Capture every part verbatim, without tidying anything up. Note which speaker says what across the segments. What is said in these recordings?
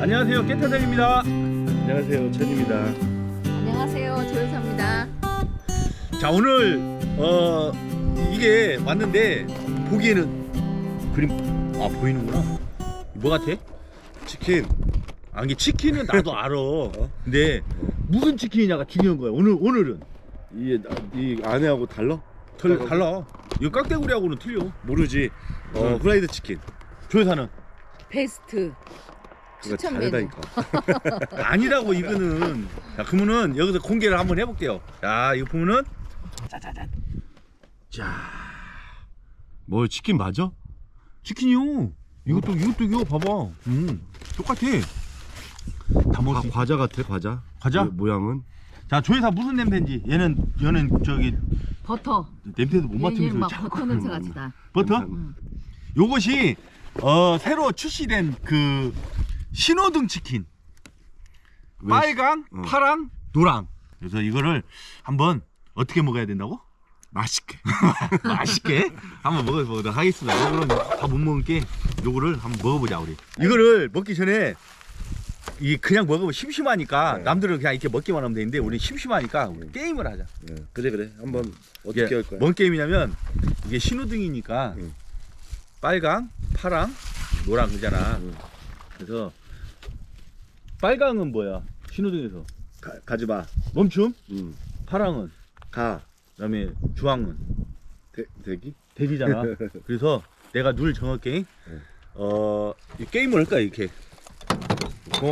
Speaker 1: 안녕하세요, 깨타장입니다.
Speaker 2: 안녕하세요, 천입니다.
Speaker 3: 안녕하세요, 조여사입니다.
Speaker 1: 자, 오늘 어 이게 왔는데 보기에는 그림 아 보이는구나. 뭐 같아?
Speaker 2: 치킨.
Speaker 1: 아, 이게 치킨은 나도 알아. 근데 무슨 치킨이냐가 중요한 거야. 오늘 오늘은
Speaker 2: 이게 나- 이 안에하고 달라?
Speaker 1: 덜 달라. 이거 깍대구리하고는 틀려.
Speaker 2: 모르지. 어,
Speaker 1: 응.
Speaker 2: 후라이드 치킨.
Speaker 1: 조여사는
Speaker 3: 베스트
Speaker 2: 그거
Speaker 3: 추천 메뉴.
Speaker 2: 다르다니까.
Speaker 1: 아니라고 이거는. 자, 그러면은 여기서 공개를 한번 해볼게요. 자, 이거 보면은 짜자잔. 자, 뭐 치킨 맞아? 치킨이요. 이것도 이것도 이거 봐봐. 음, 똑같아. 다 먹을
Speaker 2: 아,
Speaker 1: 수 있...
Speaker 2: 과자 같아, 과자.
Speaker 1: 과자?
Speaker 2: 모- 모양은.
Speaker 1: 자, 조회사 무슨 냄새인지. 얘는 얘는 저기
Speaker 3: 버터.
Speaker 1: 냄새도 못
Speaker 3: 얘는
Speaker 1: 맡으면서
Speaker 3: 막
Speaker 1: 자꾸-
Speaker 3: 버터 냄새 같이 나.
Speaker 1: 버터?
Speaker 3: 응.
Speaker 1: 요것이 어 새로 출시된 그 신호등 치킨.
Speaker 2: 왜
Speaker 1: 빨강,
Speaker 2: 어.
Speaker 1: 파랑, 노랑. 그래서 이거를 한번 어떻게 먹어야 된다고?
Speaker 2: 맛있게.
Speaker 1: 맛있게 한번 먹어보도록 하겠습니다. 요거는 다 못 먹은 게 요거를 한번 먹어보자 우리. 이거를 먹기 전에 이 그냥 먹으면 심심하니까
Speaker 2: 네.
Speaker 1: 남들은 그냥 이렇게 먹기만 하면 되는데 우리 심심하니까 우리 게임을 하자.
Speaker 2: 네, 그래 그래. 한번 어떻게
Speaker 1: 이게
Speaker 2: 할 거야?
Speaker 1: 뭔 게임이냐면 이게 신호등이니까
Speaker 2: 응.
Speaker 1: 빨강, 파랑, 노랑 그잖아.
Speaker 2: 응.
Speaker 1: 그래서 빨강은 뭐야? 신호등에서
Speaker 2: 가, 가지 마.
Speaker 1: 멈춤,
Speaker 2: 응.
Speaker 1: 파랑은
Speaker 2: 가.
Speaker 1: 그다음에 주황은
Speaker 2: 대, 대기?
Speaker 1: 대기잖아. 그래서 내가 룰 정할게.
Speaker 2: 네.
Speaker 1: 어, 이 게임을 할까 이렇게. 놓고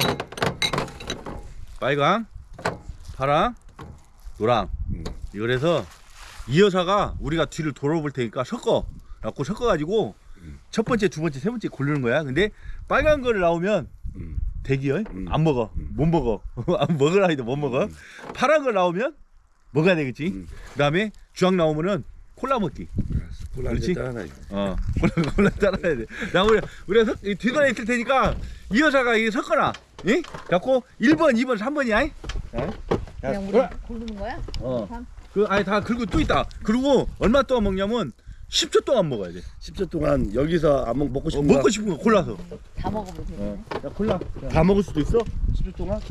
Speaker 1: 빨강, 파랑, 노랑.
Speaker 2: 응.
Speaker 1: 이걸 해서 이 여사가 우리가 뒤를 돌아볼 테니까 섞어. 갖고 섞어가지고
Speaker 2: 응.
Speaker 1: 첫 번째, 두 번째, 세 번째 고르는 거야. 근데 빨간 거를 나오면
Speaker 2: 응.
Speaker 1: 대기열
Speaker 2: 음.
Speaker 1: 안 먹어.
Speaker 2: 음.
Speaker 1: 못 먹어. 안 먹으라 해도 못 먹어.
Speaker 2: 음.
Speaker 1: 파란 거 나오면 먹어야 되겠지.
Speaker 2: 음.
Speaker 1: 그다음에 주황 나오면은 콜라 먹기.
Speaker 2: 콜라
Speaker 1: 그렇지?
Speaker 2: 한잔 따라놔.
Speaker 1: 어, 콜라 콜라 따라야 돼. 나 우리 우리가 석, 이 뒤돌아 있을 테니까 이 여자가 이 섞어놔. 예? 갖고 일 번, 이 번, 삼 번이야. 야,
Speaker 3: 그냥 우리 고르는 거야?
Speaker 1: 어.
Speaker 3: 참.
Speaker 1: 그 아니 다 긁고 또 있다. 그리고 얼마 동안 먹냐면 십 초 동안 먹어야 돼.
Speaker 2: 십 초 동안 여기서 안 먹, 먹고
Speaker 1: 어,
Speaker 2: 싶은 거
Speaker 1: 먹고 싶은 거 골라서.
Speaker 3: 다 먹어보면 되네.
Speaker 1: 어. 야, 콜라.
Speaker 2: 다 먹을 수도 있어? 십 초 동안?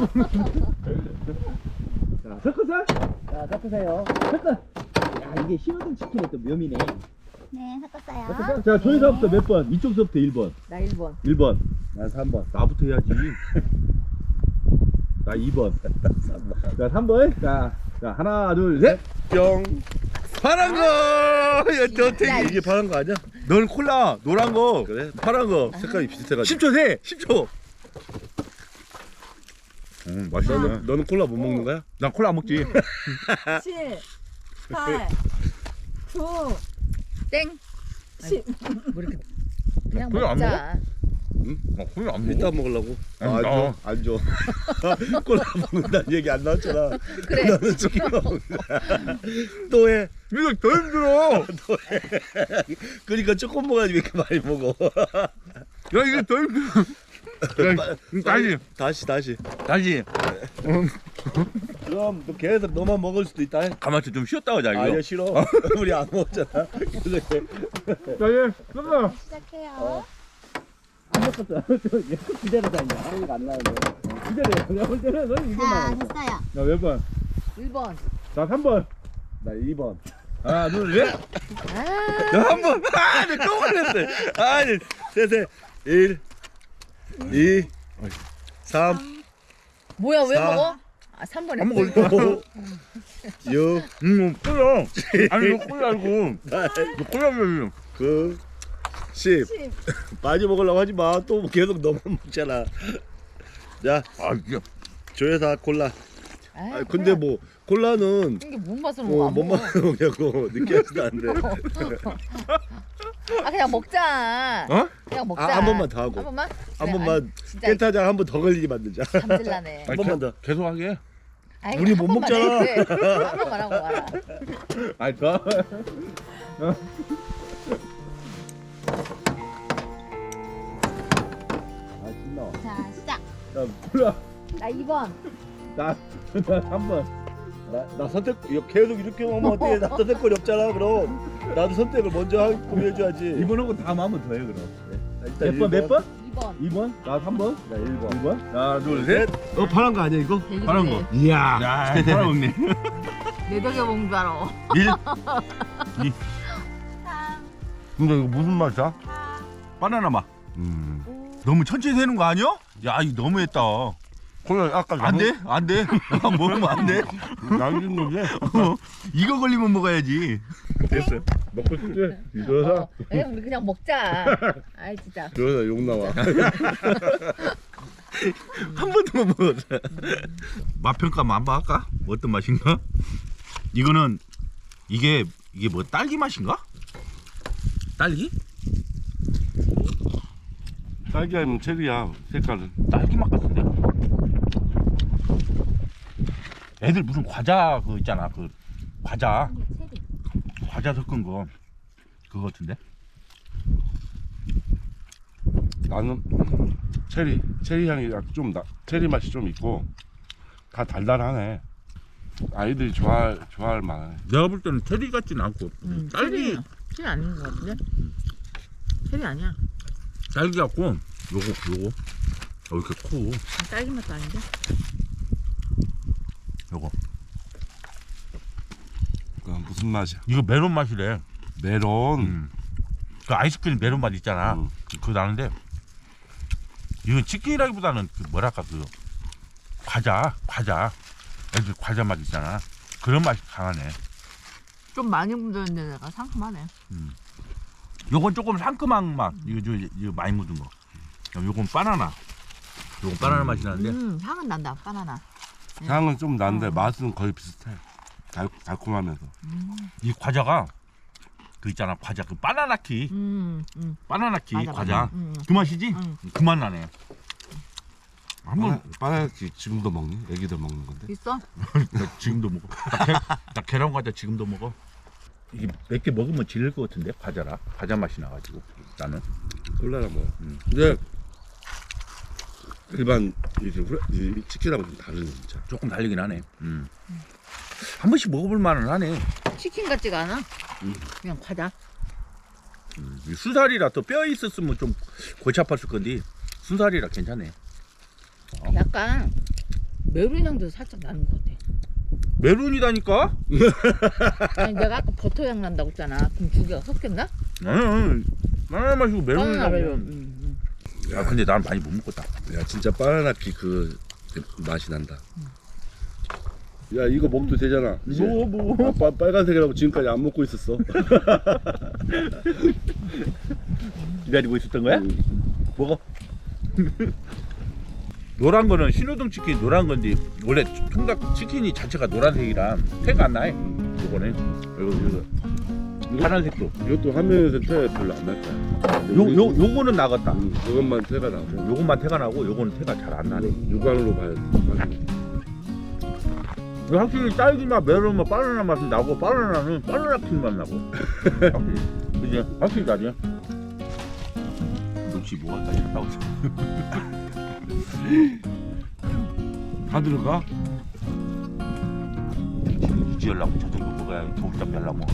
Speaker 1: 자, 섞어서. 자, 섞으세요. 섞어. 야, 이게 신호등 치킨의 또 묘미네.
Speaker 3: 네, 섞었어요.
Speaker 1: 자, 조회사부터 몇 번? 이쪽서부터 일 번.
Speaker 3: 나 일 번.
Speaker 1: 일 번.
Speaker 2: 난 삼 번.
Speaker 1: 나부터 해야지. 나 이 번. 자, 삼 번. 자, 자, 하나, 둘, 셋.
Speaker 2: 뿅.
Speaker 1: 파란 거! 야, 너 되게.
Speaker 2: 이게 파란 거 아니야?
Speaker 1: 넌 콜라, 노란 거.
Speaker 2: 그래?
Speaker 1: 파란 거.
Speaker 2: 색깔이 비슷해가지고.
Speaker 1: 십 초 세. 십 초. 음, 맛있네.
Speaker 2: 너는, 너는 콜라 못 먹는 거야?
Speaker 1: 난 콜라 안 먹지.
Speaker 3: 칠, 팔, 구, 땡, 십. 뭐 이렇게 그냥
Speaker 1: 그래, 안
Speaker 3: 먹자.
Speaker 2: 응?
Speaker 1: 나 콜라 안
Speaker 2: 이따 먹으려고?
Speaker 1: 안
Speaker 2: 아, 안
Speaker 1: 나.
Speaker 2: 줘. 안 줘. 콜라 먹는다는 얘기 안 나왔잖아.
Speaker 3: 그래.
Speaker 2: 너는 치킨 먹는다. 또 해.
Speaker 1: 이거 더 힘들어.
Speaker 2: 그러니까 조금 먹어야지 왜 이렇게 많이 먹어.
Speaker 1: 야, 이게 더 힘들어. 야, 다시,
Speaker 2: 다시 다시.
Speaker 1: 다시.
Speaker 2: 그럼 너 계속 너만 먹을 수도 있다.
Speaker 1: 가만히 좀 쉬었다 가자, 이거.
Speaker 2: 아니야 싫어. 우리 안 먹었잖아. 그래.
Speaker 1: 자, 예, 끝나.
Speaker 3: 시작해요.
Speaker 1: 안 먹었어. 기다려다, 이제.
Speaker 2: 소리가 안 나는데.
Speaker 1: 기다려. 내가 볼 때는 너는 이거만.
Speaker 3: 자, 됐어요.
Speaker 1: 자, 몇 번?
Speaker 3: 일 번.
Speaker 1: 자, 삼 번.
Speaker 2: 나 이 번.
Speaker 1: 하나, 둘, 셋.
Speaker 3: 아,
Speaker 1: 자, 한 번. 아, 내 또 걸렸어. 아니.
Speaker 2: 셋셋. 일. 이. 삼.
Speaker 3: 뭐야, 왜
Speaker 2: 사.
Speaker 3: 먹어? 아, 삼 번
Speaker 1: 한
Speaker 3: 했어.
Speaker 1: 번 걸렸어.
Speaker 2: 오. 육.
Speaker 1: 음, 콜라. 아니, 이거 콜라 알고.
Speaker 2: 팔.
Speaker 1: 이거 콜라면.
Speaker 2: 구. 십.
Speaker 3: 십.
Speaker 2: 많이 먹으려고 하지 마. 또 계속 너만 먹잖아. 자,
Speaker 1: 아, 이게.
Speaker 2: 조회사 콜라.
Speaker 3: 아,
Speaker 2: 아, 근데 뭐 콜라는
Speaker 3: 이게 뭔 맛으로
Speaker 2: 어,
Speaker 3: 먹어?
Speaker 2: 뭔
Speaker 3: 안
Speaker 2: 맛 먹냐고 느끼하지도 않는데.
Speaker 3: 아, 그냥 먹자.
Speaker 1: 어?
Speaker 3: 그냥 먹자.
Speaker 2: 아, 한 번만 더 하고.
Speaker 3: 한 번만?
Speaker 2: 한
Speaker 3: 그래,
Speaker 2: 번만
Speaker 3: 아니, 진짜
Speaker 2: 깨타장 한 번 더 걸리게 만들자.
Speaker 3: 감질나네.
Speaker 1: 아니,
Speaker 2: 번만
Speaker 1: 개-
Speaker 2: 더.
Speaker 1: 계속 하게.
Speaker 3: 아이,
Speaker 2: 우리
Speaker 3: 한
Speaker 2: 못
Speaker 3: 번만
Speaker 2: 먹잖아.
Speaker 3: 해, 그래. 한 번만 하고 와라.
Speaker 1: 아니, 더.
Speaker 2: 아 신나.
Speaker 3: 자, 시작.
Speaker 1: 자, 콜라.
Speaker 3: 나 이 번.
Speaker 1: 나, 나 삼 번.
Speaker 2: 나, 나 선택 이거 계속 이렇게 먹으면 어떻게 나 선택권이 없잖아. 그럼 나도 선택을 먼저 하고 해줘야지.
Speaker 1: 이번 하고 다음 한번 더 해, 그럼.
Speaker 2: 일단
Speaker 1: 몇 번, 몇 번?
Speaker 3: 이 번.
Speaker 2: 이 번? 나 삼 번? 나 일 번. 이 번?
Speaker 1: 하나 둘 셋.
Speaker 2: 어 파란 거 아니야 이거?
Speaker 1: 파란 거.
Speaker 2: 이야.
Speaker 1: 야 파란 먹네.
Speaker 3: 내 덕에 먹는 줄 알아.
Speaker 1: 일.
Speaker 2: 근데 이거 무슨 맛이야?
Speaker 1: 바나나 맛.
Speaker 2: 음.
Speaker 1: 너무 천천히 되는 거 아니야? 야 이거 너무했다.
Speaker 2: 콜라 아까
Speaker 1: 안 돼? 안 돼? 먹으면 안 돼?
Speaker 2: 남긴 건데.
Speaker 1: 어, 이거 걸리면 먹어야지.
Speaker 2: 됐어. 먹고 싶지?
Speaker 3: 어,
Speaker 2: 이러다.
Speaker 3: 에 우리 그냥 먹자. 아이 진짜.
Speaker 2: 이러다 욕 나와.
Speaker 1: 한 번도 못 먹었어. 맛 평가 한번 할까? 어떤 맛인가? 이거는 이게 이게 뭐 딸기 맛인가? 딸기?
Speaker 2: 딸기 아니면 체리야 색깔은.
Speaker 1: 딸기 맛 같은데? 애들 무슨 과자 그 있잖아 그 과자 과자 섞은 거 그거 같은데?
Speaker 2: 나는 체리 체리 향이 약 좀 나. 체리 맛이 좀 있고 다 달달하네. 아이들이 좋아할 좋아할 만해.
Speaker 1: 내가 볼 때는 체리 같진 않고
Speaker 3: 음,
Speaker 1: 딸기
Speaker 3: 체리, 체리 아닌 것 같은데? 체리 아니야.
Speaker 1: 딸기 같고 요거 요거 어, 이렇게 커
Speaker 3: 딸기 맛도 아닌데?
Speaker 1: 요거
Speaker 2: 그 무슨 맛이야?
Speaker 1: 이거 메론 맛이래.
Speaker 2: 메론.
Speaker 1: 음. 그 아이스크림 메론 맛 있잖아.
Speaker 2: 음.
Speaker 1: 그거 나는데 이건 치킨이라기보다는 그 뭐랄까 그 과자 과자 애들 과자 맛 있잖아. 그런 맛이 강하네.
Speaker 3: 좀 많이 묻었는데 내가 상큼하네.
Speaker 1: 요건 조금 상큼한 맛. 이거 저 이거 많이 묻은 거. 요건 바나나. 요건 바나나 맛이 나는데
Speaker 3: 음, 향은 난다. 바나나.
Speaker 2: 향은 좀 난데
Speaker 3: 어.
Speaker 2: 맛은 거의 비슷해. 달, 달콤하면서.
Speaker 1: 이 과자가 그 있잖아 과자 그 바나나키
Speaker 3: 음, 음.
Speaker 1: 바나나키
Speaker 3: 맞아,
Speaker 1: 과자
Speaker 3: 맞아. 음, 음.
Speaker 1: 그 맛이지?
Speaker 3: 음.
Speaker 1: 그 맛 나네. 한번
Speaker 2: 바나나키 지금도 먹니? 애기들 먹는 건데.
Speaker 3: 있어?
Speaker 1: 나 지금도 먹어. 나, 계, 나 계란 과자 지금도 먹어. 이게 몇 개 먹으면 질릴 것 같은데 과자라 과자 맛이 나가지고 나는.
Speaker 2: 콜라라 뭐.
Speaker 1: 음.
Speaker 2: 근데 일반 이제 후라, 이 치킨하고 좀 다르네 진짜.
Speaker 1: 조금 달리긴 하네. 음. 한 번씩 먹어볼 만은 하네.
Speaker 3: 치킨 같지가 않아.
Speaker 1: 음.
Speaker 3: 그냥 과자.
Speaker 1: 음. 이 순살이라 또 뼈 있었으면 좀 골치 아팠을 건데 순살이라 괜찮네.
Speaker 3: 약간 메론 향도 살짝 나는 것 같아.
Speaker 1: 메론이다니까?
Speaker 3: 아니 내가 아까 버터 향 난다고 했잖아. 그럼 두 개가 섞였나?
Speaker 1: 나는 바나나 마시고
Speaker 3: 바나나
Speaker 1: 메론이라고.
Speaker 3: 메론. 음, 음.
Speaker 1: 아 근데 난 많이 못 먹었다.
Speaker 2: 야 진짜 바나나키 그 맛이 난다. 야 이거 먹도 되잖아. 이제.
Speaker 1: 뭐 뭐.
Speaker 2: 아, 빠, 빨간색이라고 지금까지 안 먹고 있었어.
Speaker 1: 기다리고 있었던 거야?
Speaker 2: 음.
Speaker 1: 먹어. 노란 거는 신호등 치킨 노란 건데 원래 통닭 치킨이 자체가 노란색이라 태가 안 나요. 요거는 이거 이거 파란색도.
Speaker 2: 이것도 화면에서 태 별로 안 날 거야.
Speaker 1: 요 요 요거는 나갔다.
Speaker 2: 음, 이것만 태가 나고.
Speaker 1: 요것만 태가 나고 요거는 태가 잘 안 나네.
Speaker 2: 육안으로 봐야 돼.
Speaker 1: 이거 확실히 딸기맛, 메론 맛, 바나나 맛이 나고 바나나는 바나나 킹 맛 나고. 확실히. 그지? 확실히 나지. 역시 뭐가 잘 나오지.
Speaker 2: 다 들어가?
Speaker 1: 지금 유지하려고 저 정도 먹어야 겨울잠 잘라먹어.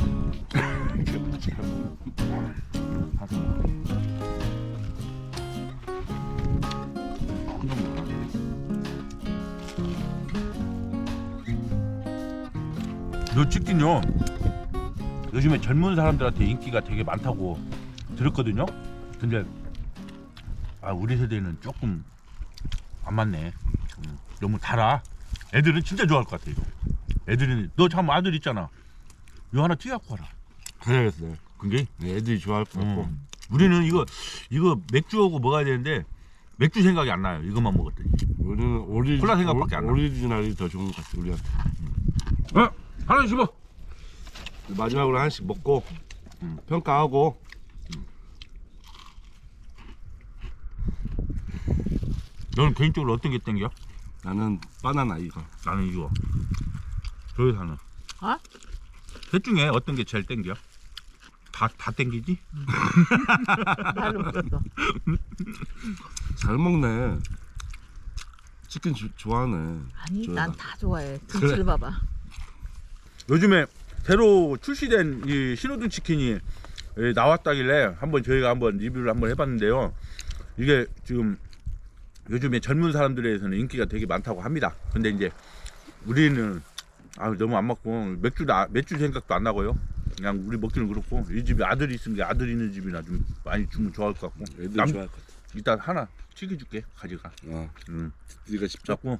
Speaker 1: 요 치킨요 요즘에 젊은 사람들한테 인기가 되게 많다고 들었거든요. 근데 아 우리 세대는 조금 안 맞네. 음, 너무 달아. 애들은 진짜 좋아할 것 같아 이거. 애들은 너 참 아들 있잖아. 이거 하나 튀갖고 와라.
Speaker 2: 그래야겠어요.
Speaker 1: 그게
Speaker 2: 애들이 좋아할 것 같고.
Speaker 1: 음. 우리는 이거 이거 맥주하고 먹어야 되는데 맥주 생각이 안 나요. 이것만 먹었더니.
Speaker 2: 우리는 오리,
Speaker 1: 콜라 생각밖에 안 나.
Speaker 2: 오리지널이 더 좋은 것 같아 우리한테.
Speaker 1: 어? 하나 씹어.
Speaker 2: 마지막으로 하나씩 먹고
Speaker 1: 음.
Speaker 2: 평가하고.
Speaker 1: 너는 개인적으로 어떤 게 땡겨?
Speaker 2: 나는 바나나 이거.
Speaker 1: 나는 이거. 저기 사는.
Speaker 3: 어?
Speaker 1: 셋 중에 어떤 게 제일 땡겨? 다, 다 땡기지?
Speaker 3: 나를 먹었어.
Speaker 2: 잘 먹네. 치킨 주, 좋아하네.
Speaker 3: 아니
Speaker 2: 저희가.
Speaker 3: 난 다 좋아해. 등치를 봐봐.
Speaker 1: 요즘에 새로 출시된 이 신호등 치킨이 예, 나왔다길래 한번 저희가 한번 리뷰를 한번 해봤는데요. 이게 지금 요즘에 젊은 사람들에서는 인기가 되게 많다고 합니다. 근데 이제 우리는 아 너무 안 맞고 맥주 맥주 생각도 안 나고요. 그냥 우리 먹기는 그렇고 이 집에 아들이 있으면 게 아들 있는 집이나 좀 많이 주면 좋아할 것 같고.
Speaker 2: 애들
Speaker 1: 남-
Speaker 2: 좋아할 것 같아.
Speaker 1: 일단 하나 튀겨줄게 가져가.
Speaker 2: 어,
Speaker 1: 음.
Speaker 2: 네가 직접.
Speaker 1: 자꾸.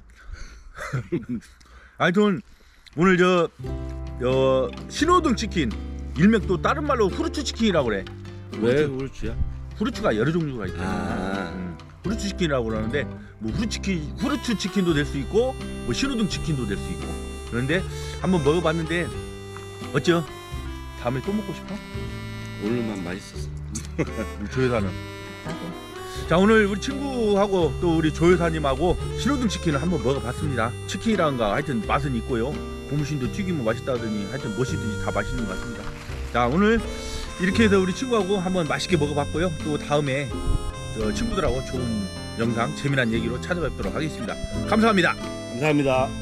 Speaker 1: 하여튼 오늘 저, 저 신호등 치킨 일명 또 다른 말로 후르츠 치킨이라고 그래.
Speaker 2: 왜 그렇지야?
Speaker 1: 후르츠가 여러 종류가 있잖아.
Speaker 2: 아.
Speaker 1: 음, 후르츠 치킨이라고 그러는데 뭐 후르츠 치킨, 후르츠 치킨도 될 수 있고 뭐 신호등 치킨도 될 수 있고. 그런데 한번 먹어봤는데 어쩌? 다음에 또 먹고 싶어?
Speaker 2: 오늘만 맛있었어.
Speaker 1: 우리 조 여사는.
Speaker 3: 나도.
Speaker 1: 자 오늘 우리 친구하고 또 우리 조 여사님하고 신호등 치킨을 한번 먹어봤습니다. 치킨이란가 하여튼 맛은 있고요. 고무신도 튀기면 맛있다더니 하여튼 무엇이든지 다 맛있는 것 같습니다. 자 오늘 이렇게 해서 우리 친구하고 한번 맛있게 먹어봤고요. 또 다음에 저 친구들하고 좋은 영상 재미난 얘기로 찾아뵙도록 하겠습니다. 감사합니다.
Speaker 2: 감사합니다.